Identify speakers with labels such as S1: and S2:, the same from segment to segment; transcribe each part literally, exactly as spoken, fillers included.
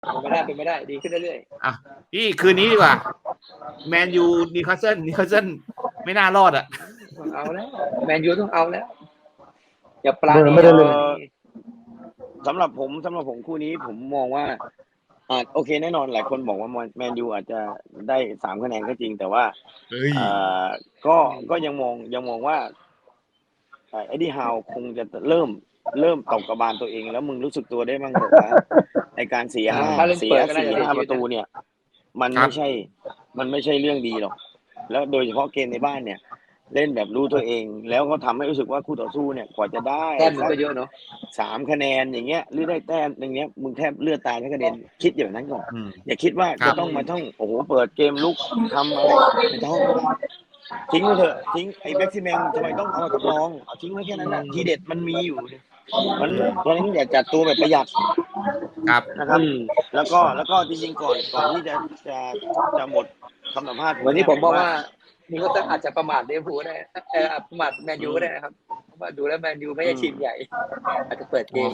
S1: เป็นไม่ได้เป็นไม่ได้ดีขึ้นเรื่อย
S2: ๆอ่ะพี่คืนนี้ดีกว่าแมนยูนิวคาสเซิลนิวคาสเซิลไม่น่ารอดอ่ะ
S1: เอาแล้วแมนยูต้องเอาแล้วอย่าปลาณี
S3: ไม่ได้เลย
S4: สำหรับผมสำหรับผมคู่นี้ผมมองว่าอ่าโอเคแน่นอนหลายคนบอกว่าแมนยูอาจจะได้สามคะแนนก็จริงแต่ว่าอ่าก็ก็ยังมองยังมองว่าเอ็ดดี้ฮาวคงจะเริ่มเริ่มตกกระบาลตัวเองแล้วมึงรู้สึกตัวได้บ้างบอกว่าในการเสียห้าเสียสี่ห้าประตูเนี่ยมันไม่ใช่มันไม่ใช่เรื่องดีหรอกแล้วโดยเฉพาะเกมในบ้านเนี่ยเล่นแบบรู้ตัวเองแล้วก็ทำให้รู้สึกว่าคู่ต่อสู้เนี่ยกว่าจะได้
S1: แต้มมันก็เยอะเนาะ
S4: สามคะแนนอย่างเงี้ยหรือได้แต้มอย่างเงี้ยมึงแทบเลือดตายทั้งกระเด็นคิดอย่างนั้นก่อนอย่าคิดว่าจะต้องมาต้องโอ้โหเปิดเกมลุกทำอะไรไม่ต้องทิ้งไปเถอะทิ้งไอ้แบ็กซิแมงทำไมต้องเอากับน้องเอาทิ้งไว้แค่นั้นแหละทีเด็ดมันมีอยู่มันเพราะฉะนั้นอย่าจัดตัวแบบประหยัด
S2: ครับ
S4: นะครับแล้วก็แล้วก็จริงๆก่อนก่อนที่จะจะจะหมดคำสัมภาษณ์
S1: วันนี้ผมบอกว่านี่ก็อาจจะประมาทเดฟูได้เออประมาทแมนยูก็ได้นะครับเพราะว่าดูแล้วแมนยูไม่ใช่ทีมใหญ่อาจจะเปิดเกม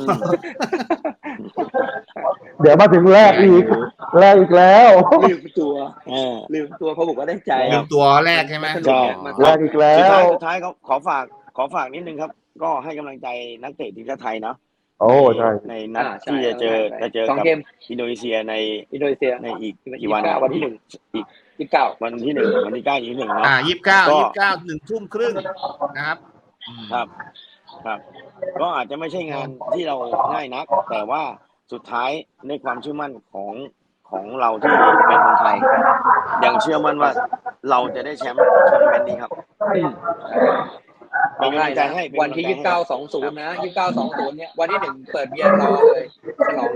S3: เดี๋ยวมาถึงแรกอีกแรกอีกแล้ว
S1: ลืมตัวลืมตัวเขาบอกว่าได้ใจ
S2: ลืมตัวแรกใช่ไหม
S3: แรกอีกแล้ว
S4: สุดท้ายเขาขอฝากขอฝากนิดนึงครับก็ให้กำลังใจนักเตะทีมชาติไทยเนาะ
S3: โอ้ใช่
S4: ในนัดที่จะเจอจะเจอกับอินโดนีเซียใน
S1: อินโดนีเซีย
S4: ในอีกกี่วัน
S1: วันที่หนึ่ง
S4: อีก
S1: ยี่สิบเก้า
S4: วันที่หนึ่งวันที่เก้ายี่สิบหนึ่งเนาะ
S2: อ่ายี่สิบเก้ายี่สิบเก้าหนึ่งทุ่มครึ่งนะครับ
S4: ครับครับก็อาจจะไม่ใช่งานที่เราง่ายนักแต่ว่าสุดท้ายในความเชื่อมั่นของของเราที่เป็นคนไทยยังเชื่อมั่นว่าเราจะได้แชมป์ทัวร์นาเมนต์นี้ครับ
S1: เป็นกำลังใจให้วันที่ยี่สิบเก้า สองศูนย์นะยี่สิบเก้า สองศูนย์เนี่ยวันที่หนึ่งเปิดเบียร์รอเลยฉลอง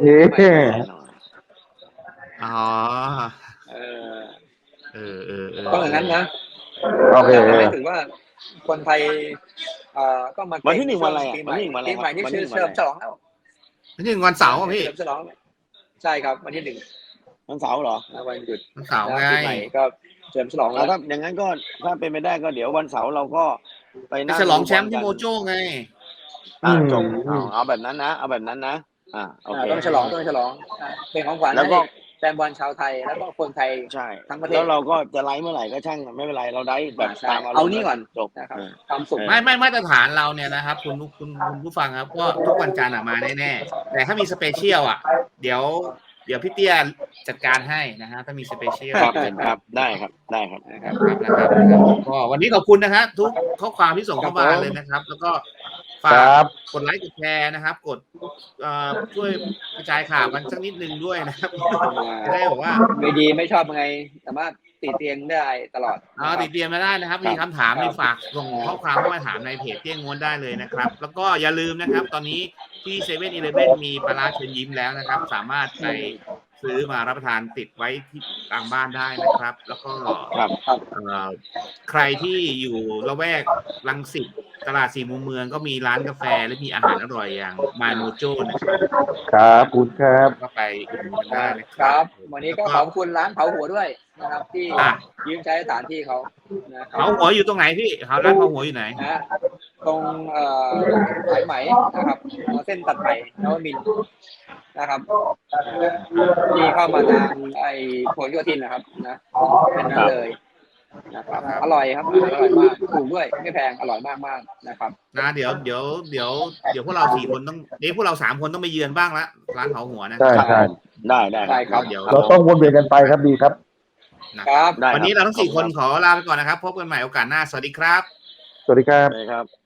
S2: อ๋อ
S1: เออ
S2: เออเออ
S1: ต้องอย่างนั้นนะ
S3: โอเค
S1: หมายถึงว่าคนไทยเอ่อก็มา
S4: วันที่หนึ่งวันอะไร
S1: ปีใหม่ปีใหม่นี่ชื่อเฉลิมฉลองแล้ว
S2: วันที่หนึ่งวันเสาร์พี่
S1: เฉลิมฉลองใช่ครับวันที่หนึ่ง
S4: วันเสาร์เหรอ
S1: วันหยุด
S2: วันเสาร์ไง
S1: ปีใหม่ก็เฉลิมฉลองแล้ว
S4: ถ้าอย่างนั้นก็ถ้าเป็นไปได้ก็เดี๋ยววันเสาร์เราก็ไปนั่ง
S2: ฉลองแชมป์ที่โมโจ้ไง
S4: อ่าจบเอาแบบนั้นนะเอาแบบนั้นนะอ่าโอเค
S1: ต้องฉลองต้องฉลองเป็นของขวัญ
S4: แล้วก็
S1: แฟนบอลชาวไทยแล้วก็คนไทย
S4: ใช่
S1: ทั้งประเทศ
S4: แล้วเราก็จะไลฟ์เมื่อไหร่ก็ช่างไม่เป็นไรเราได้แบบตาม
S1: เอานี่ก่อน
S4: จบ
S1: นะครับความสุข
S2: ไม่ไม่มาตรฐานเราเนี่ยนะครับคุณคุณคุณผู้ฟังครับก็ทุกวันจันทร์มาแน่ๆแต่ถ้ามีสเปเชียลอ่ะเดี๋ยวเดี๋ยวพี่เตี้ยจัดการให้นะฮะถ้ามีสเปเชียล
S4: ครับครับได้ครับได้ครับ
S2: นะครับนะครับก็วันนี้ขอบคุณนะฮะทุกข้อความที่ส่งเข้ามาเลยนะครับแล้วก็ฝากกดไลค์กดแชร์นะครับกดช่วยกระจายข่าวกันสักนิดนึงด้วยนะครับจะได้บอกว่า
S1: ไม่ดีไม่ชอบยังไงสามารถติดเตียงได้ตลอด
S2: อ๋อติดเตียงมาได้นะครับมีคำถามมีฝากส่งข้อความเข้ามาถามในเพจเตี้ยงง้วนได้เลยนะครับแล้วก็อย่าลืมนะครับตอนนี้ที่เซเว่นอีเลฟเว่นมีปลาร้าเชิญยิ้มแล้วนะครับสามารถไปซื้อมารับประทานติดไว้ที่ตามบ้านได้นะครับแล้วก็ใครที่อยู่ละแวกรังสิตตลาดสี่มุมเมืองก็มีร้านกาแฟและมีอาหารอร่อยอย่างมาโมโจ้นะครับ
S3: ครับคุณครับ
S2: ก็ไปอุดหนุนได้นะ
S1: ค
S2: รั
S1: บวันนี้ก็ขอบคุณร้านเผาหัวด้วยนะครับที่ยืมใช้สถานที่เขา
S2: เผาหัวอยู่ตรงไหนพี่เขาร้านเผาหัวอยู่ไหน
S1: ตรงเอ่อสายไหมนะครับเส้นตัดไหมนวมินทร์นะครับที่เข้ามาทางไอ้ผลโยธินนะครับนะเป็นนั่นเลยนะครับอร่อยครับอร่อยมากถูกด้วยไม่แพงอร่อยมากมากนะครับ
S2: นะเดี๋ยวเดี๋ยวเดี๋ยวเดี๋ยวพวกเราสี่คนต้องเดี๋ยวพวกเราสามคนต้องไปเยือนบ้างละร้านเผาหัวนะ
S3: ใช่ใช่
S4: ได้ได้
S1: ได้ครับ
S3: เดี๋ยวเราต้องวนเวียนกันไปครับดีครับ
S1: ครับ
S2: วันนี้เราทั้งสี่คนขอลาไปก่อนนะครับพบกันใหม่โอกาสหน้าสวัสดีครับ
S3: สวัสดีครับ
S4: ครับ